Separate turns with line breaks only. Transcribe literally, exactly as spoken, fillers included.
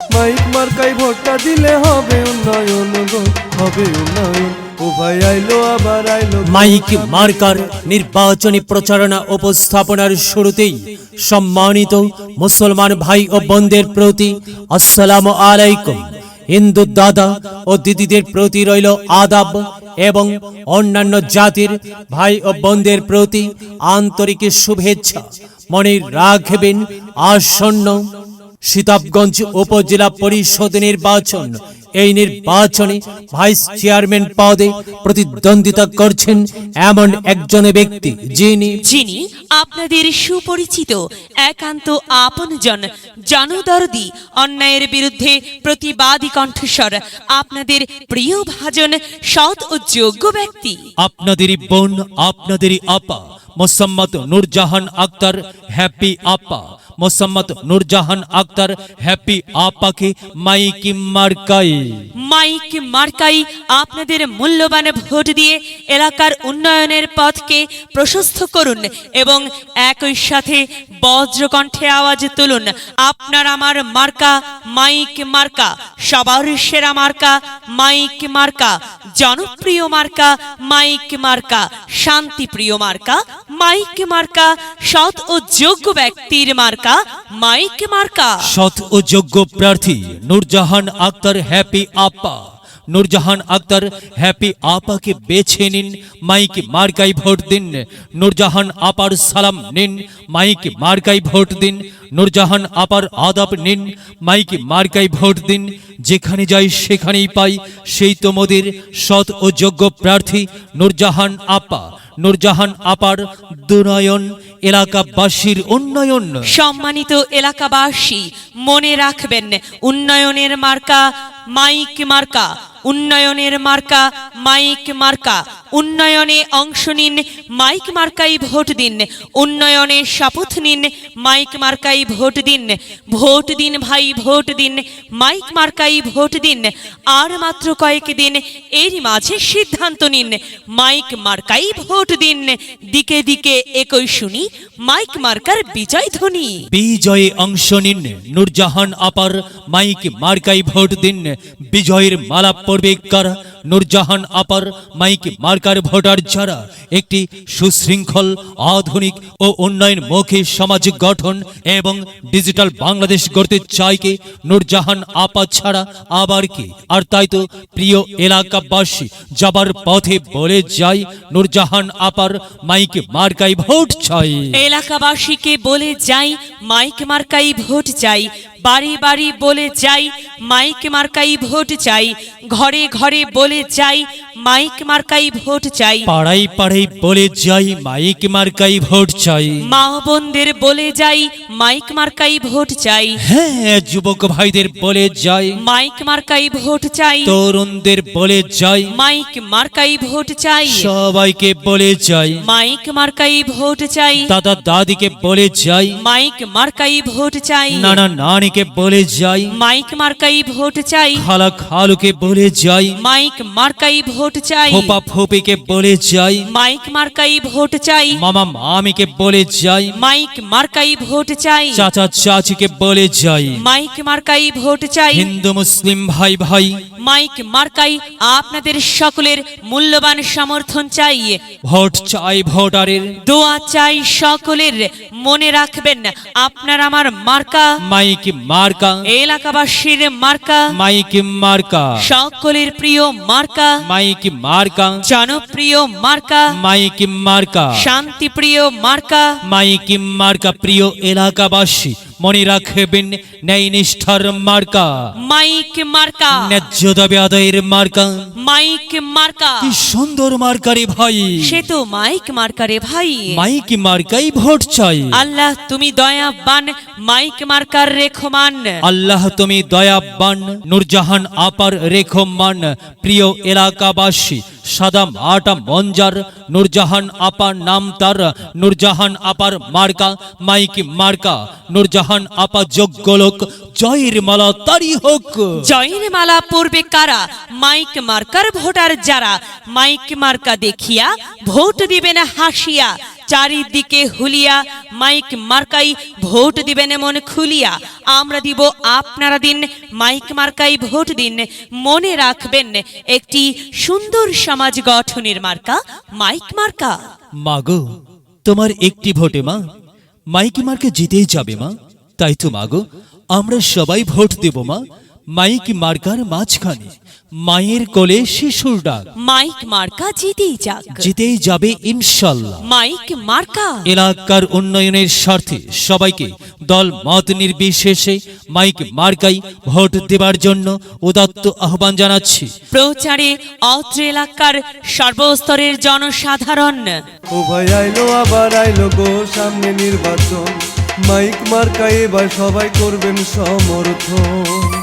Mic মার্কাই ভোটটা দিলে হবে উন্নয়ন গো, হবে উন্নয়ন। ও ভাই আইলো আবার আইলো।
মাইক মার্কার নির্বাচনী প্রচারণা উপস্থাপনার শুরুতেই সম্মানিত মুসলমান ভাই ও বোনদের প্রতি আসসালামু আলাইকুম। হিন্দু দাদা ও দিদিদের প্রতি রইল আদাব এবং অন্যান্য জাতির ভাই ও বোনদের প্রতি আন্তরিক শুভেচ্ছা। মনে রাখবেন, আসন্ন সীতাবগঞ্জ উপজেলা পরিষদ নির্বাচন, এই নির্বাচনে ভাইস চেয়ারম্যান পদে প্রতিদ্বন্দ্বিতা করছেন এমন একজন ব্যক্তি যিনি
যিনি আপনাদের সুপরিচিত একান্ত আপনজন, জনদরদি, অন্যায়ের বিরুদ্ধে প্রতিবাদী কণ্ঠস্বর, আপনাদের প্রিয় ভাজন, সৎ ও যোগ্য ব্যক্তি,
আপনাদেরই বোন, আপনাদেরই আপা মোসাম্মদ নূরজাহান আক্তার হ্যাপি আপা। মোসাম্মদ নূরজাহান আক্তার হ্যাপি আপাকে মাইক মার্কাই
মাইক মার্কাই আপনাদের মূল্যবান ভোট দিয়ে এলাকার উন্নয়নের পথকে প্রশস্ত করুন এবং একই সাথে বজ্রকণ্ঠে আওয়াজ তুলুন, আপনার আমার মার্কা মাইক মার্কা, সবার সেরা মার্কা মাইক মার্কা, জনপ্রিয় মার্কা মাইক মার্কা, শান্তিপ্রিয় মার্কা মাইক মার্কা, সৎ ও যোগ্য ব্যক্তির মার্কা মাইক মার্কা।
সৎ ও যোগ্য প্রার্থী নূরজাহান আক্তার হ্যাপি আপা। নূরজাহান আক্তার হ্যাপি আপাকে বেছে নিন, মাইক মার্কাই ভোট দিন। নূরজাহান আপার সালাম নিন, মাইক মার্কাই ভোট দিন। নূরজাহান আপার আদাব নিন, মাইক মার্কাই ভোট দিন। যেখানে যাই সেখানেই পাই সেই তো মোদের সৎ ও যোগ্য প্রার্থী নূরজাহান আপা। নূরজাহান আপার দুনয়ন, এলাকাবাসীর উন্নয়ন।
সম্মানিত এলাকাবাসী, মনে রাখবেন, উন্নয়নের মার্কা মাইক মার্কা, উন্নয়নের মার্কা মাইক মার্কা। উন্নয়নে অংশ নিন, মাইক মার্কাই ভোট দিন। উন্নয়নে শপথ নিন, মাইক মার্কাই ভোট দিন। ভোট দিন ভাই, ভোট দিন, মাইক মার্কাই ভোট দিন। আর মাত্র কয়েক দিন, এর মাঝে সিদ্ধান্ত নিন, মাইক মার্কাই ভোট দিন। দিকে দিকে একই শুনি মাইক মার্কার বিজয় ধ্বনি।
বিজয়ে অংশ নিন, নূরজাহান আপার মাইক মার্কাই ভোট দিন। বিজয়ের মালা পড়বে কারা? নূরজাহান আপার মাইক মার্কার ভোটার যারা একটি সুশৃঙ্খল, আধুনিক ও উন্নয়নমুখী সমাজ গঠন এবং ডিজিটাল বাংলাদেশ গড়তে চায় কে? নূরজাহান আপা ছাড়া আবার কি? আর তাই তো প্রিয় এলাকাবাসী, যাবার পথে বলে যাই, নূরজাহান আপার মাইক মার্কাই ভোট চাই।
এলাকাবাসীকে বলে যাই, মাইক মার্কাই ভোট চাই। বাড়ি বাড়ি বলে যাই, মাইক মার্কাই ভোট চাই। ঘরে ঘরে বলে যাই, মাইক মার্কাই ভোট চাই।
পাড়াই পাড়াই বলে যাই, মাইক মার্কাই ভোট চাই।
মা বোনদের বলে যাই, মাইক মার্কাই ভোট চাই।
হ্যাঁ, যুবক ভাইদের বলে যাই,
মাইক মার্কাই ভোট চাই।
তরুণদের বলে যাই,
মাইক মার্কাই ভোট চাই।
সবাইকে বলে যাই,
মাইক মার্কাই ভোট চাই।
দাদা দাদিকে বলে যাই,
মাইক মার্কাই ভোট চাই।
নানা নানিকে বলে যাই,
মাইক মার্কাই ভোট চাই।
খালা খালুকে বলে যাই,
মাইক মার্কাই ভোট চাই।
ফোপা ফোপিকে বলে যাই,
মাইক মার্কাই ভোট চাই।
মামা মামিকে বলে যাই,
মাইক মার্কাই ভোট চাই।
চাচা চাচিকে বলে যাই,
মাইক মার্কাই ভোট চাই।
হিন্দু মুসলিম ভাই ভাই,
মাইক মার্কাই আপনাদের সকলের মূল্যবান সমর্থন চাই।
ভোট চাই ভোটারের,
দোয়া চাই সকলের। মনে রাখবেন, আপনার আমার মার্কা
মাইক মার্কা,
এলাকাবাসীর মার্কা,
মাইক মার্কা,
সকলের প্রিয় মার্কা,
মাইক মার্কা,
জনপ্রিয় মার্কা,
মাইক মার্কা,
শান্তিপ্রিয় মার্কা,
মাইক মার্কা। প্রিয় এলাকাবাসী, মনে রাখবেন, ন্যায় নিষ্ঠার মার্কা,
মাইক মার্কা,
ন্যায্য দাবি আদায়ের মার্কা।
মাইক মার্কা।
কি সুন্দর মার্কারে ভাই,
সে তো মাইক মার্কারে ভাই।
মাইক মার্কাই ভোট চাই।
আল্লাহ তুমি দয়াবান, মাইক মার্কার রেখমান।
আল্লাহ তুমি দয়াবান, নূরজাহান আপার রেখমান। প্রিয় এলাকাবাসী, সাদা আটা মঞ্জার নূরজাহান আপার নাম তার। নূরজাহান আপার মার্কা মাইক মার্কা। নূরজাহান আপা যোগ্য লোক, জয়ের মালা তারি হোক।
জয়ের মালা পড়বে কারা? মাইক মার্কার ভোটার যারা। মাইক মার্কা দেখিয়া ভোট দিবেন হাসিয়া। চারিদিকে হুলিয়া মাইক মার্কাই ভোট দিবেন মন খুলিয়া আমরা দিব আপনারা দিন মাইক মার্কাই ভোট দিন মনে রাখবেন একটি সুন্দর সমাজ গঠনের মার্কা মাইক মার্কা
মাগো তোমার একটি ভোটে মা মাইক মার্কে জিতেই যাবে মা তাই তো মাগো আমরা সবাই ভোট দেব মা মাইক মার্কার মাঝখানে মায়ের কোলে শিশুর ডাক
মাইক মার্কা জিতেই যাক
জিতেই যাবে ইনশাল্লাহ
মাইক মার্কা
এলাকার উন্নয়নের স্বার্থে সবাইকে দল মত নির্বিশেষে মাইক মার্কাই ভোট দেবার জন্য উদাত্ত আহ্বান জানাচ্ছি
প্রচারে অত্র এলাকার সর্বস্তরের জনসাধারণ
ও ভাই আইলো আবার আইলো গো সামনে নির্বাচন মাইক মার্কা এবার সবাই করবেন সমর্থন